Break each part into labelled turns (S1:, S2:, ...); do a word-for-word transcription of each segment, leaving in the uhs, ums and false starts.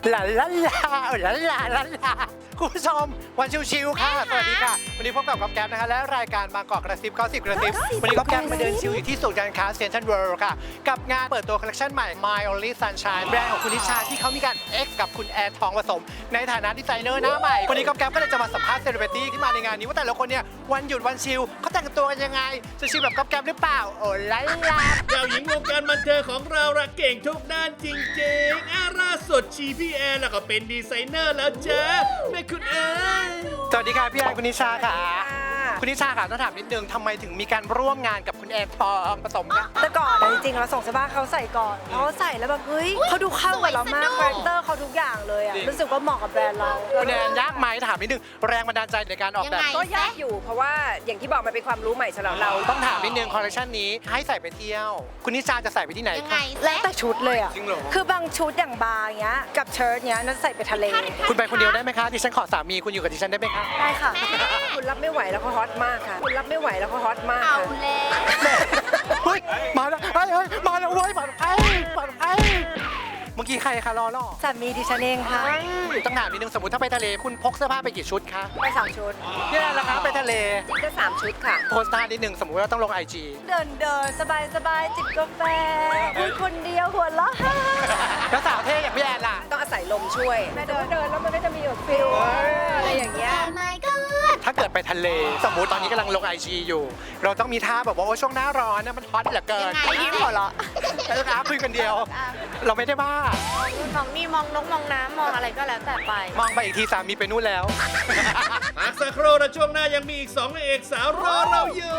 S1: ลาลาลาลาลาลาลาคุณผู้ชมวันชิวๆค่ะสวัสดีค่ะวันนี้พบกับก๊อฟแก๊ปนะคะและรายการบางกอกกระซิบเก้าสิบกระซิบวันนี้ก๊อฟแก๊ปมาเดินชิวอยู่ที่ศูนย์การค้าเซ็นทรัลเวิลด์ค่ะกับงานเปิดตัวคอลเลคชันใหม่ My Only Sunshine แบรนด์ของคุณนิชาที่เขามีการ X กับคุณแอนทองผสมในฐานะดีไซเนอร์หน้าใหม่วันนี้ก๊อฟแก๊ปก็เลยจะมาสัมภาษณ์เซเลบริตี้ที่มาในงานนี้ว่าแต่ละคนเนี่ยวันหยุดวันชิลเขาแต่งตัวกันยังไงจะชิลแบบก๊อฟแก๊ปหรือเปล่าโอ้ลาลา
S2: เจ้าหญิงวงการบันเทิงของเราละเก่งทุกด้านจริงๆอาล่าสุดชีพี่แอนแล้วก็เป็นดีไซเนอร์แล้วจ้าแม่คุณแอน
S1: สวัสดีค่ะพี่แอนคุณนิชาค่ะคุณนิชาค่ะต้องถามนิดนึงทำไมถึงมีการร่วมงานกับคุณแอนทองผสมคะ
S3: แต่ก่อนอะจริงๆเราส่งเสื้อผ้าเขาใส่ก่อนเขาใส่แล้วแบบเฮ้ยเขาดูเข้ากับเรามากคาแรคเตอร์เขาทุกอย่างเลยอะรู้สึกว่าเหมาะกับแบรนด์เรา
S1: คุณแอนยากไหมถามนิดนึงแรงบันดาลใจในการออกแบบ
S3: ก็ยากอยู่เพราะว่าอย่างที่บอกมันเป็นความรู้ใหม่สำหรับเรา
S1: ต้องถามนิดนึงคอลเลคชันนี้ให้ใส่ไปเที่ยว คุณนิชาจะใส่ไปที่ไหน
S4: ยังไง
S1: คะ
S3: แล้วแต่ชุดเลยอะ
S1: จริงเหรอ
S3: คือบางชุดอย่างบาร์เงี้ยกับเชิ้ตเงี้ยนั่นใส่ไปทะเล
S1: คุณไปคนเดียวได้ไหมคะดิฉันขอสามีคุณอยู่กับดิฉันได้ไหมคะ
S3: ได้ค่ะคุณรับไม่ไหวแล้วเขาฮอตมากค่ะคุณรับไม่ไหวแล้วเขาฮอตมาก
S4: เอา
S3: ค่ะ
S4: แล้ว
S1: เฮ้ยมาแล้วเฮ้ยเฮ้ยมาแล้วเว้ยมาแล้วเฮ้ยมาแล้วเฮ้ยเมื่อกี้ใครคะรอรอ
S3: สามีดิฉันเองค่ะ
S1: ต้องถามนิดนึงสมมติถ้าไปทะเลคุณพกเสื้อผ้าไปกี่ชุดคะ
S3: ไปสามชุด
S1: เนี่ยแหละครับไปทะเล
S3: ก็สามชุดค่ะ
S1: โพสต์ท่านิดนึงสมมติว่าต้องลงไอจี
S3: เดินเดินสบายสบายจิบกาแฟคุยคนเดียวหัวเราะ
S1: แล้วสาวเท่อย่างพี่แอนล่ะ
S3: ต้องอาศัยลมช่วยเดินเดินแล้วมันก็จะมีแบบฟิลอะไรอย่างเงี้ย
S4: ไม่ก็
S1: ถ้าเกิดไปทะเล สมมุติตอนนี้กำลังลงไอจีอยู่ เราต้องมีท่าแบบว่าโอ้ช่วงหน้าร้อนนะมันฮอตเหลือเกิน
S4: ยังไงยิ้มหัวเราะ
S1: เออครับคุยคนเดียว เราไม่ได้บ้าม
S4: องนี่มองนกมองน้ำมองอะไรก็แล้วแต่ไป
S1: มองไปอีกทีสามีไปนู่นแล้ว
S2: พักสักครู่และช่วงหน้ายังมีอีกสองนางเอกสาวรอเราอยู่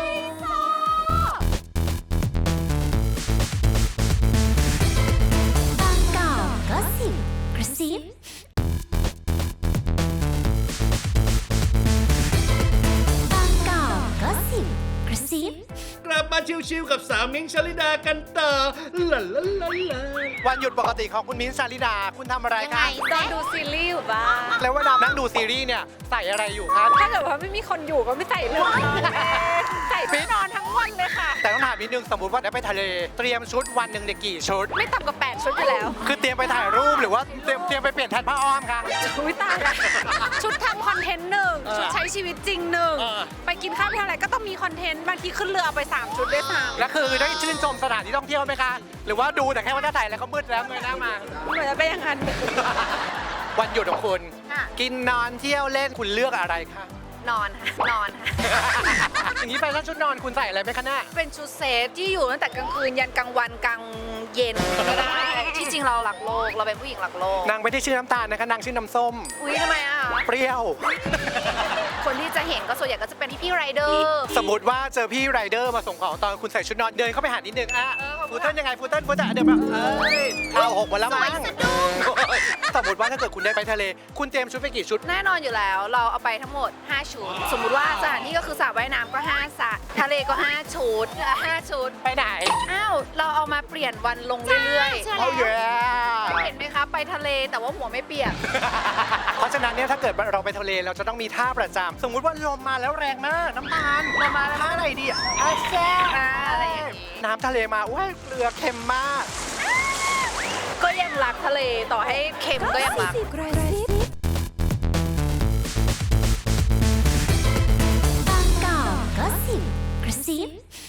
S4: บางกอกก็สิบกระซิบางกอกก็สิบกระซิบ
S2: กลับมาชิวๆกับสาวมิ้งค์ชลิดากันต่อลาลาลาลา
S1: วันหยุดปกติของคุณมิ้นท์ชาลิดา คุณทำอะไร
S4: ยังไง
S1: คะ
S4: แซ่
S3: ดูซีรีส์อยู่บ้าง
S1: แล้วเวลานั่งดูซีรีส์เนี่ยใส่อะไรอยู่คะ
S3: ถ้าเกิดว่าไม่มีคนอยู่ก็ไม่ใส่เลยใส่ไปนอนทั้งวันเลยค่ะ
S1: แต่ต้องถามนิดนึงสมมติว่าได้ไปทะเล เตรียมชุดวันหนึ่งเนี่ยกี่ชุด
S3: ไม่ต่ำกว่าแปดชุดไปแล้ว
S1: คือเตรียมไปถ่ายรูปหรือว่าเตรียมเตรียมไปเปลี่ยนแทนผ้าอ้อมคะ
S3: อุ้ยตายละชุดทำคอนเทนต์หนึ่ง
S1: เออ
S3: ชุดใช้ชีวิตจริงหนึ่ง
S1: เออ
S3: ไปกินข้าวที่อะไรก็ต้องมีคอนเทนต์บางทีขึ้นเรือเอาไปสามชุดด้วยซ้
S1: แล้วคือได้ชื่นชมสถานที่ท่องเที่ยวไหมคะ หรือว่าดูแต่แค่ว่าจะใส่แล้วก็มืดแล้วเงยหน้ามา
S3: ำเหมือนจะเป็นอย่างนั้น
S1: วันหยุดของคุณ
S4: ค่ะ
S1: กินนอนเที่ยวเล่นคุณเลือกอะไรคะ
S3: นอนค่ะนอนค่ะ
S1: อย่างนี้แฟชั่นชุดนอนคุณใส่อะไรไหมคะเนี่ย
S3: เป็นชุดเซฟที่อยู่ตั้งแต่กลางคืนยันกลางวันกลางเย็นก็ได้ที่จริงเราหลักโลกเราเป็นผู้หญิงหลักโลก
S1: นางไม่ได้ชื่อน้ำตาลนะคะนางชื่อน้ำส้ม
S3: อุ้ยทำไมอ่ะ
S1: เปรี้ยว
S3: คนที่จะเห็นก็ส่วนใหญ่ก็จะเป็นพี่ไรเดอร์
S1: สมมติว่าเจอพี่ไรเดอร์มาส่งของตอนคุณใส่ชุดนอนเดินเข้าไปหานิดนึงอ่ะ
S3: เออขอบคุ
S1: ฟู
S3: ณ
S1: เติ้ลยังไงฟูเติ้ลฟูเติ้ลเดี๋ยวแบบเอ้ยเท้าหกหมดแล้วมั้งสมมติว่าถ้าเกิดคุณได้ไปทะเล คุณเตรียมชุดไปกี่ชุด
S3: แน่นอนอยู่แล้วเราเอาไปทั้งหมดห้าชุด สมมุติว่าสถานที่ก็คือสระว่ายน้ำก็ห้าสระทะเลก็ห้าชุดห้าชุด
S1: ไปไหน
S3: อ้าวเราเอามาเปลี่ยนวันลงเรื่อย
S4: ใช่
S1: เอาเยอะ
S3: ๆเห็นไหมคะไปทะเลแต่ว่าหัวไม่เปียก
S1: เพราะฉะนั้นเนี่ยถ้าเกิดเราไปทะเลเราจะต้องมีท่าประจำสมมุติว่าลมมาแล้วแรงมากน้ำตาลลมมาท่าอะไรดีอ่ะอ่ะแซ่บ
S3: อ่าอะไรอย่างนี้
S1: น้ำทะเลมาอุ้ยเกลือเค็มมาก
S3: ก็ยังรักทะเลต่อให้เค็มก็ยังรัก
S4: กระซิบบางกอกก็สิบกระซิบ